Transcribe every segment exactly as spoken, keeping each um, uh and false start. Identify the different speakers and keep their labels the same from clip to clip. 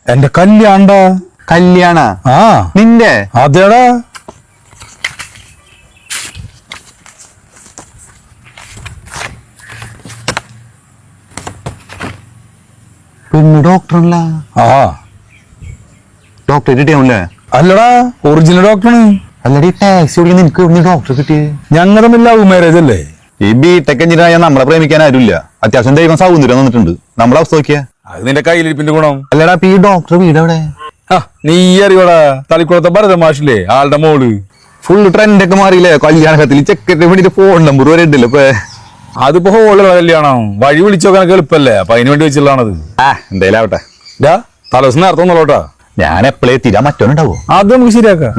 Speaker 1: എന്റെ കല്യാണ
Speaker 2: കല്യാണ
Speaker 1: ആ
Speaker 2: നിന്റെ
Speaker 1: അതേടാ.
Speaker 2: പെണ്ണ് ഡോക്ടറല്ല?
Speaker 1: ആ
Speaker 2: ഡോക്ടർ കിട്ടിയാവൂല്ലേ?
Speaker 1: അല്ലടാ, ഒറിജിനൽ ഡോക്ടറാണ്.
Speaker 2: അല്ലടി ടാക്സി ഓടിക്കുന്ന നിനക്ക് ഇവിടുന്ന് ഡോക്ടർ കിട്ടിയത്?
Speaker 1: ഞങ്ങൾ തമ്മിൽ ലവ് മാരേജ് അല്ലേ?
Speaker 2: ഈ ബി ടെക് എഞ്ചിനീയർ നമ്മളെ പ്രേമിക്കാൻ ആരുമില്ല. അത്യാവശ്യം ദൈവം സൗന്ദര്യം വന്നിട്ടുണ്ട്. നമ്മളെ അവസ്ഥ നോക്കിയാ.
Speaker 1: അത് നിന്റെ കയ്യിലിരിപ്പിന്റെ ഗുണം.
Speaker 2: അല്ലടാ, ഈ ഡോക്ടർ വീട് എവിടെ?
Speaker 1: നീ അറിയോടാ, തളിക്കുളത്തെ ഭരത മാഷില്ലേ, ആളുടെ മോള്.
Speaker 2: ഫുൾ ട്രെൻഡ് ഒക്കെ മാറിയില്ലേ? കല്യാണത്തിൽ ചെക്കറ്റ് വേണ്ടിട്ട് ഫോൺ നമ്പർ വരെ ഉണ്ടല്ലോ ഇപ്പൊ.
Speaker 1: അതിപ്പോ ഹോളുള്ള കല്യാണം, വഴി വിളിച്ചോക്കാനൊക്കെ എളുപ്പല്ലേ, അപ്പൊ അതിന് വേണ്ടി വെച്ചുള്ളതാണത്.
Speaker 2: ആ എന്തായാലും ആവട്ടെ.
Speaker 1: തലവസം നേരത്തെ ഒന്നുള്ളൂട്ടാ.
Speaker 2: ഞാൻ എപ്പോഴേ തീരാ മറ്റോണ്ടാവോ?
Speaker 1: അത് നമുക്ക് ശരിയാക്കാം.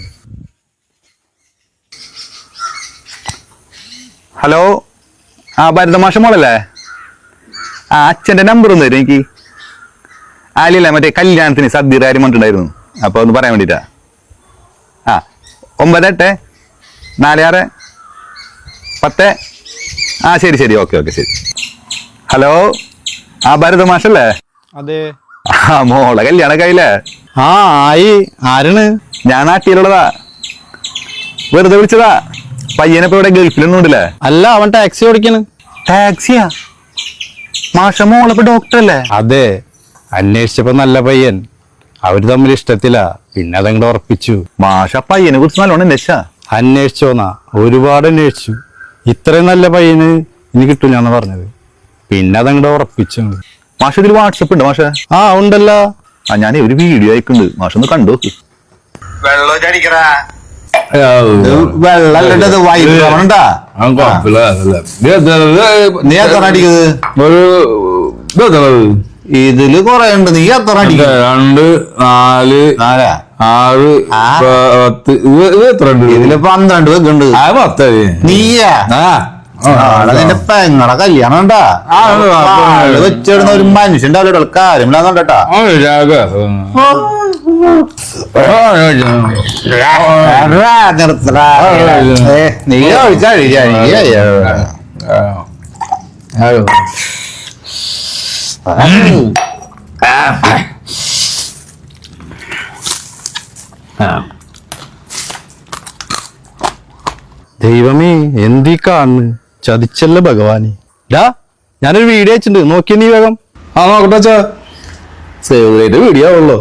Speaker 2: ഹലോ, ആ ഭരതമാഷ മോളല്ലേ? ആ അച്ഛന്റെ നമ്പർ ഒന്ന് തരും എനിക്ക്. ആലിയല്ല, മറ്റേ കല്യാണത്തിന് സദ്യ കാര്യം പറഞ്ഞിട്ടുണ്ടായിരുന്നു. അപ്പൊ ഒന്ന് പറയാൻ വേണ്ടിട്ടാ. ആ ഒമ്പത് എട്ട് നാല് ആറ് പത്ത്. ആ ശരി ശരി, ഓക്കെ ഓക്കെ ശരി. ഹലോ, ആ ഭരതമാഷല്ലേ?
Speaker 3: അതെ.
Speaker 2: ആ മോളെ കല്യാണൊക്കെ ആയില്ലേ?
Speaker 3: ആ ആയി. ആരാണ്?
Speaker 2: ഞാൻ നാട്ടിലുള്ളതാ, വെറുതെ വിളിച്ചതാ. പയ്യനിപ്പോ ഇവിടെ ഗൾഫിലൊന്നും ഉണ്ടല്ലേ?
Speaker 3: അല്ല, അവൻ ടാക്സി ഓടിക്കാണ്.
Speaker 2: ടാക്സിയാ? മാഷ മോളിപ്പോ ഡോക്ടർ അല്ലേ?
Speaker 3: അതെ. അന്വേഷിച്ചപ്പോ നല്ല പയ്യൻ, അവര് തമ്മിൽ ഇഷ്ടത്തില്ല. പിന്നെ അതങ്ങോട്ട് ഉറപ്പിച്ചു.
Speaker 2: മാഷ പയ്യനെ കുറിച്ച് നല്ലോണം അന്വേഷിച്ചാ?
Speaker 3: അന്വേഷിച്ചോന്നാ, ഒരുപാട് അന്വേഷിച്ചു. ഇത്രയും നല്ല പയ്യന് ഇനി കിട്ടൂലെന്ന് പറഞ്ഞത്. പിന്നെ അതങ്ങോട്ട് ഉറപ്പിച്ചു.
Speaker 2: മാഷ ഇതിൽ വാട്സപ്പ് ഉണ്ട് മാഷ?
Speaker 3: ആ ഉണ്ടല്ലോ.
Speaker 2: ആ ഞാൻ ഒരു വീഡിയോ അയക്കുന്നുണ്ട്, മാഷ ഒന്ന് കണ്ടു നോക്ക്. ഇതില് കൊറേ ഉണ്ട്. നീ എത്ര അടിക്കുക?
Speaker 1: രണ്ട് നാല്
Speaker 2: നാലാ
Speaker 1: ആറ് പത്ത്. എത്ര ഉണ്ട്
Speaker 2: ഇതില്? പന്ത്രണ്ട് വെക്കുണ്ട്.
Speaker 1: പത്ത്.
Speaker 2: നീയാ? നിന്റെ പെങ്ങളെ കല്യാണം ഉണ്ടാ വെച്ചിടുന്ന ഒരു മനുഷ്യൻ ഉണ്ടാവില്ല. കാര്യമില്ലാന്നോട്ടാ. നീ കഴിച്ചാ
Speaker 3: ദൈവമേ, എന്തീ കാണുന്നു? ചതിച്ചല്ല ഭഗവാനെ. ഡാ, ഞാനൊരു വീഡിയോ അയച്ചിട്ടുണ്ട്, നോക്കിയ നീ വേഗം.
Speaker 1: ആ നോക്കട്ടെ.
Speaker 3: സേവ് ചെയ്ത വീഡിയോ ആവുള്ളോ?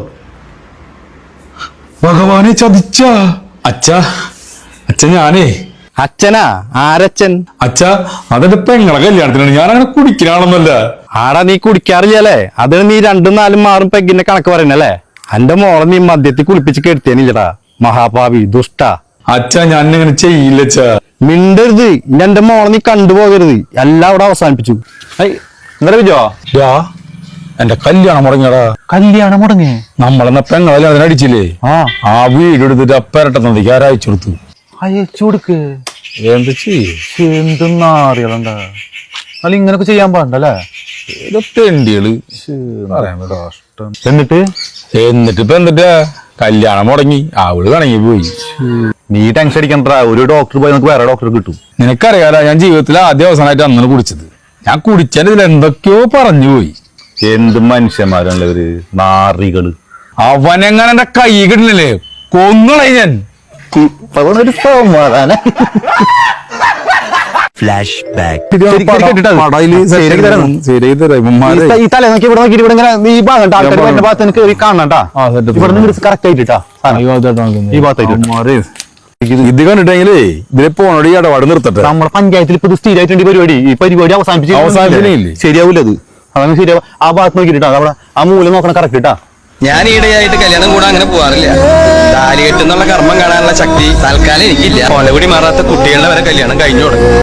Speaker 1: ഭഗവാനെ ചതിച്ച അച്ഛ. അച്ഛ ഞാനേ.
Speaker 3: അച്ഛനാ? ആരച്ഛൻ?
Speaker 1: അച്ഛ അതെന്റെ പെങ്ങളെ കല്യാണത്തിനാണ്. ഞാൻ അങ്ങനെ കുടിക്കാനാണെന്നല്ല.
Speaker 3: ആടാ, നീ കുടിക്കാറില്ലല്ലേ? അതിന് നീ രണ്ടും നാലും മാറും പെഗിന്റെ കണക്ക് പറയണല്ലേ? എന്റെ മോളെ നീ മദ്യത്തിൽ കുളിപ്പിച്ച് കെടുത്തേനില്ലടാ, മഹാഭാവി ദുഷ്ട.
Speaker 1: അച്ഛ ഞാൻ ഇങ്ങനെ ചെയ്യില്ല. അച്ഛ
Speaker 3: മിണ്ടരുത്. എന്റെ മോളെ നീ കണ്ടുപോകരുത്. എല്ലാം അവിടെ അവസാനിപ്പിച്ചു.
Speaker 2: എന്താ വിജോ?
Speaker 1: എന്റെ കല്യാണം മുടങ്ങിയടാ.
Speaker 2: കല്യാണം മുടങ്ങി?
Speaker 1: നമ്മളെന്ന പെങ്ങളെ അതിനടിച്ചില്ലേ?
Speaker 2: ആ
Speaker 1: ആ വീട് എടുത്തിട്ട് അപ്പരട്ട നദിക്ക് ആരയച്ചു കൊടുത്തു.
Speaker 2: അയച്ചു കൊടുക്ക്.
Speaker 1: എന്ത് ചെയ്യ?
Speaker 2: എന്തെന്നറിയലുണ്ടാ? അല്ല ഇങ്ങനൊക്കെ ചെയ്യാൻ പാടണ്ടല്ലേ?
Speaker 1: തെണ്ടികള്.
Speaker 2: എന്നിട്ട്
Speaker 1: എന്നിട്ട് ഇപ്പൊ എന്നിട്ടാ കല്യാണം മുടങ്ങി, അവള് കണങ്ങി പോയി.
Speaker 2: നീ ടെൻഷൻ അടിക്കണ്ടാ. ഒരു ഡോക്ടർ പോയി നമുക്ക് വേറെ ഡോക്ടർ കിട്ടും.
Speaker 1: നിനക്കറിയാലോ, ഞാൻ ജീവിതത്തിൽ ആദ്യ അവസാനമായിട്ട് അന്നാണ് കുടിച്ചത്. ഞാൻ കുടിച്ചതിൽ എന്തൊക്കെയോ പറഞ്ഞു പോയി.
Speaker 2: എന്ത് മനുഷ്യന്മാരാണല്ലേ ഇവര്, നാറികള്.
Speaker 1: അവനെങ്ങനെ എന്റെ കൈ കിട്ടുന്നില്ലേ, കൊന്നുകളെ ഞാൻ.
Speaker 2: ഒരു സമാധാനം. ഈ തല നോക്കി ഇവിടെ നോക്കിട്ട് ഇവിടെ ഇങ്ങനെ ഈ ഭാഗം ആൾക്കാർ ഭാഗത്ത് എനിക്ക് കാണണ്ടാ. ഇവിടെ നിന്ന് കറക്റ്റ് ആയിട്ടാ ഈ ഭാഗത്തായിട്ട്.
Speaker 1: ഇത് കണ്ടിട്ടെങ്കിലേ ഇതിലെ പോണോട് ഈ ഇടപാട് നിർത്തട്ടെ.
Speaker 2: നമ്മുടെ പഞ്ചായത്തിൽ ഇപ്പൊ സ്ഥിരമായിട്ടുണ്ട് പരിപാടി. ഈ പരിപാടി അവസാനിപ്പിച്ച്
Speaker 1: അവസാനിപ്പിച്ചില്ലേ?
Speaker 2: ശരിയാവൂല അത്. അതാണ് ശരിയാവും. ആ ഭാഗത്ത് നോക്കിട്ടാ, അവിടെ ആ മൂലം നോക്കണം കറക്റ്റ് ഇട്ടാ.
Speaker 4: ഞാൻ ഈടെയായിട്ട് കല്യാണം കൂടെ അങ്ങനെ പോവാറില്ല. താലി കെട്ടുന്നുള്ള കർമ്മം കാണാനുള്ള ശക്തി തൽക്കാലം എനിക്കില്ല. കൊലകുടി മാറാത്ത കുട്ടികളുടെ വരെ കല്യാണം കഴിഞ്ഞു തുടങ്ങി.